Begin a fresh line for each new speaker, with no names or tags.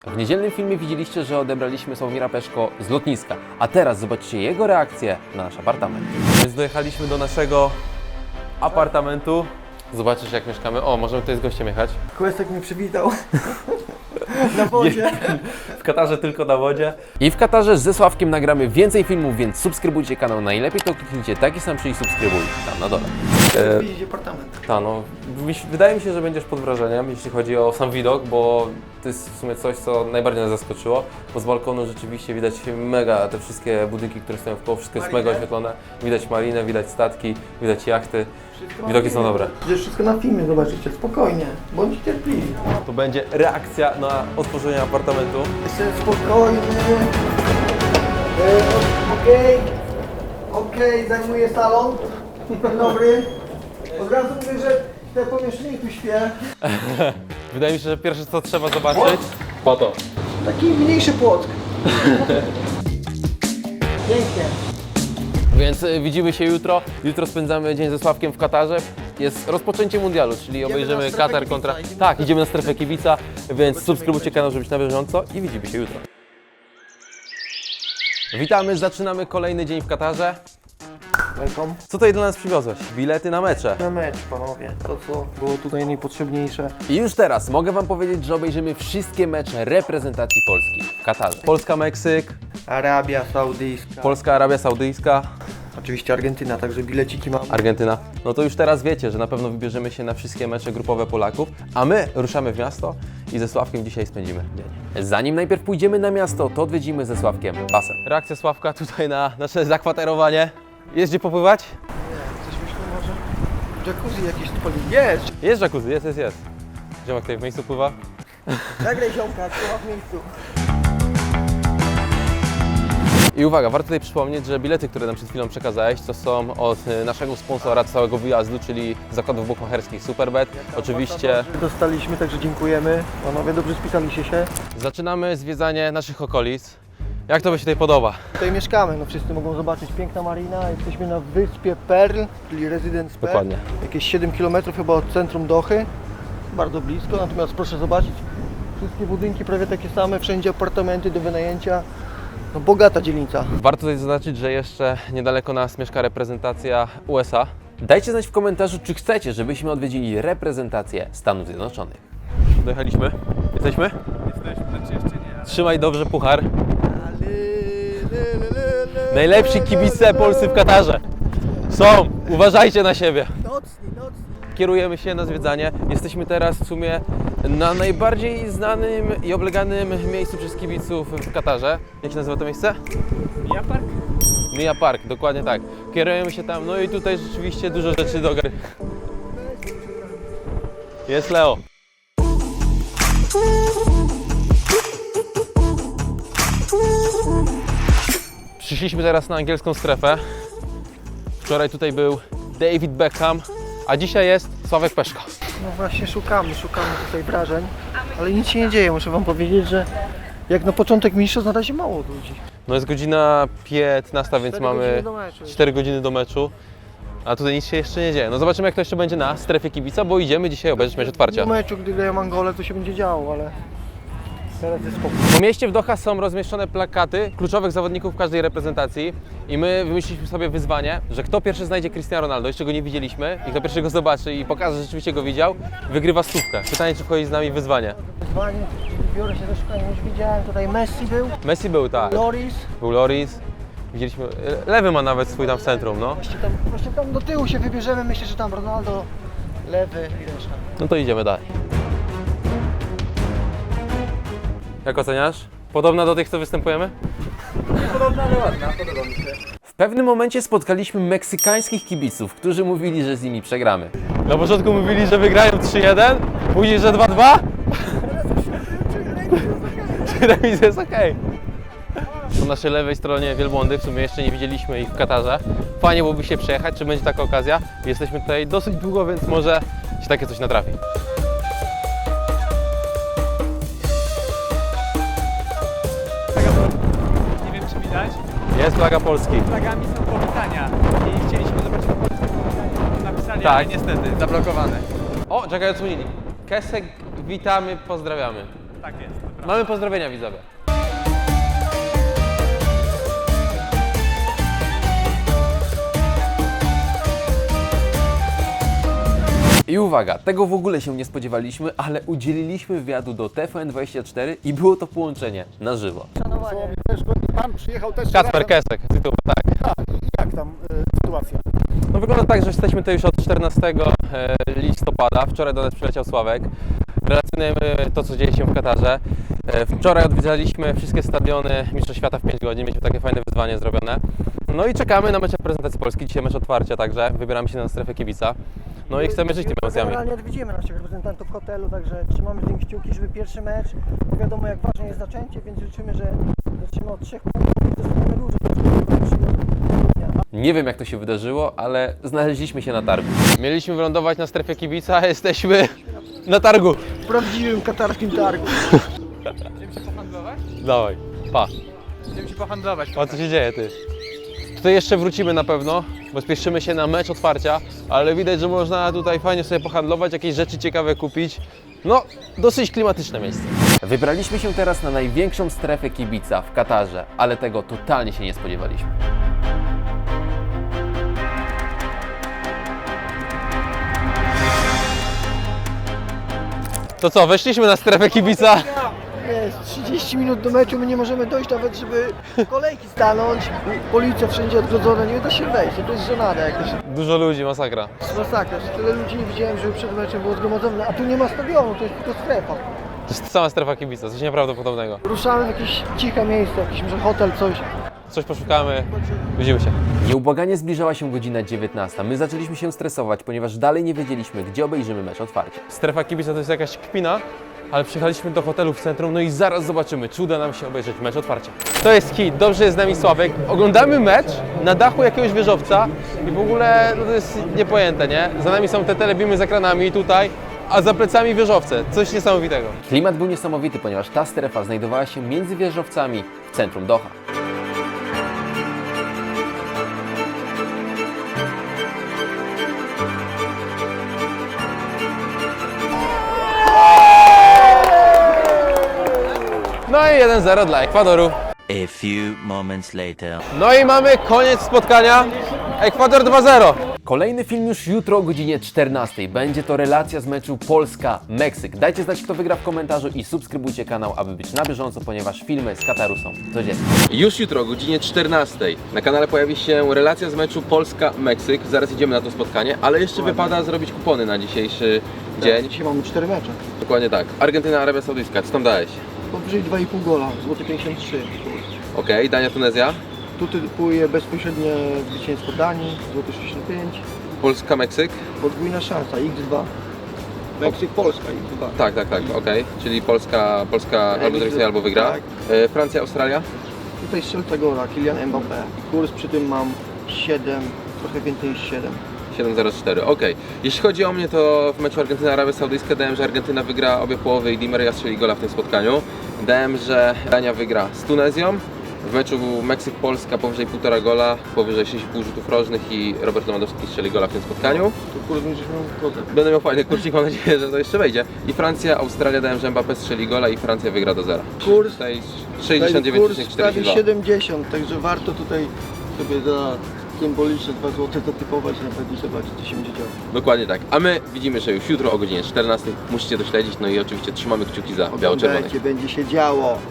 W niedzielnym filmie widzieliście, że odebraliśmy Sławomira Peszko z lotniska, a teraz zobaczcie jego reakcję na nasz apartament. Więc dojechaliśmy do naszego apartamentu. Zobaczysz, jak mieszkamy. O, możemy tutaj z gościem jechać.
Kłesek mnie przywitał na wodzie.
W Katarze tylko na wodzie. I w Katarze ze Sławkiem nagramy więcej filmów, więc subskrybujcie kanał. Najlepiej to kliknijcie taki sam przycisk subskrybuj tam na dole.
Widzicie apartament.
No, wydaje mi się, że będziesz pod wrażeniem, jeśli chodzi o sam widok, bo to jest w sumie coś, co najbardziej nas zaskoczyło, bo z balkonu rzeczywiście widać mega te wszystkie budynki, które stoją w koło, wszystko jest mega oświetlone. Widać marinę, widać statki, widać jachty. Widoki są dobre.
Przecież wszystko na filmie zobaczycie, spokojnie, bądźcie cierpliwi.
To będzie reakcja na otworzenie apartamentu.
Jestem spokojny. Okej, zajmuję salon. Dzień dobry. Od razu mówię, że te pomieszczenie tu śpię.
Wydaje mi się, że pierwsze co trzeba zobaczyć, po to.
Taki mniejszy płot. Pięknie.
Więc widzimy się jutro. Jutro spędzamy dzień ze Sławkiem w Katarze. Jest rozpoczęcie mundialu, czyli obejrzymy
na strefę
Katar
kibica,
kontra...
idziemy
Tak,
na
idziemy na strefę kibica, więc subskrybujcie kanał, żeby być na bieżąco i widzimy się jutro. Witamy, zaczynamy kolejny dzień w Katarze.
Welcome.
Co tutaj dla nas przywiozłeś? Bilety na mecze.
Na mecz, panowie. To, co było tutaj najpotrzebniejsze.
I już teraz mogę Wam powiedzieć, że obejrzymy wszystkie mecze reprezentacji Polski w Katarze. Polska-Meksyk,
Arabia Saudyjska.
Polska-Arabia Saudyjska,
Oczywiście Argentyna, także bileciki mam.
Argentyna. No to już teraz wiecie, że na pewno wybierzemy się na wszystkie mecze grupowe Polaków, a my ruszamy w miasto i ze Sławkiem dzisiaj spędzimy dzień. Zanim najpierw pójdziemy na miasto, to odwiedzimy ze Sławkiem basen. Reakcja Sławka tutaj na nasze zakwaterowanie. Jest gdzie popływać?
Coś myślę może? Jacuzzi jakieś odpali. Jest!
Jest jacuzzi, jest. Ziomek tutaj w miejscu pływa.
Nagraj ziomka, trzeba w miejscu.
I uwaga, warto tutaj przypomnieć, że bilety, które nam przed chwilą przekazałeś, to są od naszego sponsora całego wyjazdu, czyli zakładów bukmacherskich Superbet. Oczywiście
Dostaliśmy, także dziękujemy. Panowie dobrze spisaliście się.
zaczynamy zwiedzanie naszych okolic. Jak to by się tutaj podoba?
Tutaj mieszkamy, no wszyscy mogą zobaczyć piękna marina. Jesteśmy na wyspie Pearl, czyli Residence Pearl.
Dokładnie.
Jakieś 7 km chyba od centrum Dochy. Bardzo blisko, natomiast proszę zobaczyć, wszystkie budynki prawie takie same, wszędzie apartamenty do wynajęcia. No bogata dzielnica.
Warto tutaj zaznaczyć, że jeszcze niedaleko nas mieszka reprezentacja USA. Dajcie znać w komentarzu, czy chcecie, żebyśmy odwiedzili reprezentację Stanów Zjednoczonych. Dojechaliśmy? Jesteśmy?
Jesteśmy, znaczy jeszcze nie.
Trzymaj dobrze puchar. Najlepsi kibice polscy w Katarze. Są! Uważajcie na siebie.
Nocni.
Kierujemy się na zwiedzanie. Jesteśmy teraz w sumie na najbardziej znanym i obleganym miejscu przez kibiców w Katarze. Jak się nazywa to miejsce?
Mia Park?
Mia Park, dokładnie tak. Kierujemy się tam, no i tutaj rzeczywiście dużo rzeczy do gry. Jest Leo. Przyszliśmy teraz na angielską strefę. Wczoraj tutaj był David Beckham, a dzisiaj jest Sławek Peszko.
No właśnie szukamy tutaj wrażeń, ale nic się nie dzieje. Muszę wam powiedzieć, że jak na początek mistrzostw na razie mało ludzi.
No jest godzina 15, więc
4
mamy
godziny do meczu.
4 godziny do meczu. A tutaj nic się jeszcze nie dzieje. No zobaczymy, jak to jeszcze będzie na strefie kibica, bo idziemy dzisiaj obejrzeć mecz otwarcia.
W meczu, gdy grają Angolę, to się będzie działo, ale teraz jest spokój.
Po mieście w Doha są rozmieszczone plakaty kluczowych zawodników każdej reprezentacji i my wymyśliliśmy sobie wyzwanie, że kto pierwszy znajdzie Cristiano Ronaldo, jeszcze go nie widzieliśmy i kto pierwszy go zobaczy i pokaże, że rzeczywiście go widział, wygrywa stówkę. Pytanie, czy wchodzi z nami w wyzwanie.
Wyzwanie, biorę się do szukania. Już widziałem, tutaj Messi był,
Messi był, tak.
Loris.
Był Loris. Widzieliśmy, Lewy ma nawet swój tam w centrum, no.
Właśnie tam do tyłu się wybierzemy, myślę, że tam Ronaldo, lewy i reszta.
No to idziemy dalej. Jak oceniasz? Podobna do tych, co występujemy?
Podobna, ale ładna, podoba mi się.
W pewnym momencie spotkaliśmy meksykańskich kibiców, którzy mówili, że z nimi przegramy. Na początku mówili, że wygrają 3-1, później, że 2-2. Remis jest okej. Po naszej lewej stronie wielbłądy, w sumie jeszcze nie widzieliśmy ich w Katarze. Fajnie byłoby się przejechać, czy będzie taka okazja. Jesteśmy tutaj dosyć długo, więc może się takie coś natrafi.
Nie wiem, czy widać.
Jest flaga Polski.
Flagami są powitania i chcieliśmy zobaczyć powitania. Napisali,
Tak.
ale niestety zablokowane.
O, czekaj, odsłonili. Kesek, witamy, pozdrawiamy.
Tak jest.
Mamy pozdrowienia, widzowie. I uwaga, tego w ogóle się nie spodziewaliśmy, ale udzieliliśmy wywiadu do TVN24 i było to połączenie na żywo.
Szanowanie.
Też pan przyjechał też
Kacper
razem.
Kesek, tytuł, tak.
Jak tam sytuacja?
No wygląda tak, że jesteśmy tutaj już od 14 listopada. Wczoraj do nas przyleciał Sławek. Relacjonujemy to, co dzieje się w Katarze. Wczoraj odwiedzaliśmy wszystkie stadiony Mistrzostw Świata w 5 godzin. Mieliśmy takie fajne wyzwanie zrobione. No i czekamy na mecz reprezentacji Polski. Dzisiaj mecz otwarcia także. Wybieramy się na strefę kibica. No i chcemy żyć tymi emocjami.
Generalnie odwiedzimy naszych reprezentantów w hotelu, także trzymamy z nimi kciuki, żeby pierwszy mecz, wiadomo jak ważne jest zaczęcie, więc życzymy, że zaczniemy od 3 punktów i dostaniemy dużo.
Nie wiem, jak to się wydarzyło, ale znaleźliśmy się na targu. Mieliśmy wylądować na strefie kibica, a jesteśmy na targu.
W prawdziwym katarskim targu.
Idziemy się pohandlować?
Dawaj, pa.
Idziemy się pohandlować.
A co się dzieje, ty? Tutaj jeszcze wrócimy na pewno, bo spieszymy się na mecz otwarcia, ale widać, że można tutaj fajnie sobie pohandlować, jakieś rzeczy ciekawe kupić. No, dosyć klimatyczne miejsce. Wybraliśmy się teraz na największą strefę kibica w Katarze, ale tego totalnie się nie spodziewaliśmy. To co, weszliśmy na strefę kibica?
Jest 30 minut do meczu, my nie możemy dojść nawet, żeby kolejki stanąć. Policja wszędzie odgrodzona, nie da się wejść, to jest żenada jakaś.
Dużo ludzi, masakra.
Masakra, tyle ludzi nie widziałem, żeby przed meczem było zgromadzone, a tu nie ma stadionu, to jest tylko strefa.
To jest sama strefa kibica, coś nieprawdopodobnego.
Ruszamy w jakieś ciche miejsce, jakiś może hotel, coś.
Coś poszukamy, widzimy się. Nieubłaganie zbliżała się godzina 19. My zaczęliśmy się stresować, ponieważ dalej nie wiedzieliśmy, gdzie obejrzymy mecz otwarcia. Strefa kibica to jest jakaś kpina, ale przyjechaliśmy do hotelu w centrum, no i zaraz zobaczymy, czy uda nam się obejrzeć mecz otwarcia. To jest hit, dobrze jest z nami Sławek. Oglądamy mecz na dachu jakiegoś wieżowca i w ogóle no to jest niepojęte, nie? Za nami są te telebimy z ekranami tutaj, a za plecami wieżowce. Coś niesamowitego. Klimat był niesamowity, ponieważ ta strefa znajdowała się między wieżowcami w centrum Doha. No i 1-0 dla Ekwadoru.
A few moments later.
No i mamy koniec spotkania. Ekwador 2-0. Kolejny film już jutro o godzinie 14. Będzie to relacja z meczu Polska-Meksyk. Dajcie znać, kto wygra w komentarzu i subskrybujcie kanał, aby być na bieżąco, ponieważ filmy z Kataru są codziennie. Już jutro o godzinie 14 na kanale pojawi się relacja z meczu Polska-Meksyk. Zaraz idziemy na to spotkanie, ale jeszcze wypada zrobić kupony na dzisiejszy dzień.
Dzisiaj mamy 4 mecze.
Dokładnie tak. Argentyna, Arabia Saudyjska. Co tam dałeś?
Powyżej 2,5 gola, złoty 53.
Okej, Dania, Tunezja.
Tu typuję bezpośrednie zwycięstwo Danii, złoty 65.
Polska, Meksyk.
Podwójna szansa, x2. Meksyk, Polska, x2.
Tak, okej. Czyli Polska albo zremisuje, albo wygra.
Tak.
Francja, Australia.
Tutaj strzelca gola, Kylian Mbappé. Kurs przy tym mam 7, trochę więcej niż 7.
7-0-4, okej. Jeśli chodzi o mnie, to w meczu Argentyna-Arabia Saudyjska dałem, że Argentyna wygra obie połowy i Di Maria strzeli gola w tym spotkaniu. Dałem, że Dania wygra z Tunezją. W meczu Meksyk-Polska powyżej 1,5 gola, powyżej 6,5 rzutów rożnych i Robert Lewandowski strzeli gola w tym spotkaniu.
To kurs będziesz miał zgodę.
Będę miał fajny kursik, mam nadzieję, że to jeszcze wejdzie. I Francja, Australia dałem, że Mbappé strzeli gola i Francja wygra do 0.
Kurs?
Tutaj
Kurs prawie
69,42.
70, także warto tutaj sobie za symboliczne 2 zł zatypować i na pewno zobaczyć, co się będzie działo.
Dokładnie tak. A my widzimy się już jutro o godzinie 14. Musicie to śledzić, no i oczywiście trzymamy kciuki za biało-czerwonych.
Oglądajcie, będzie się działo.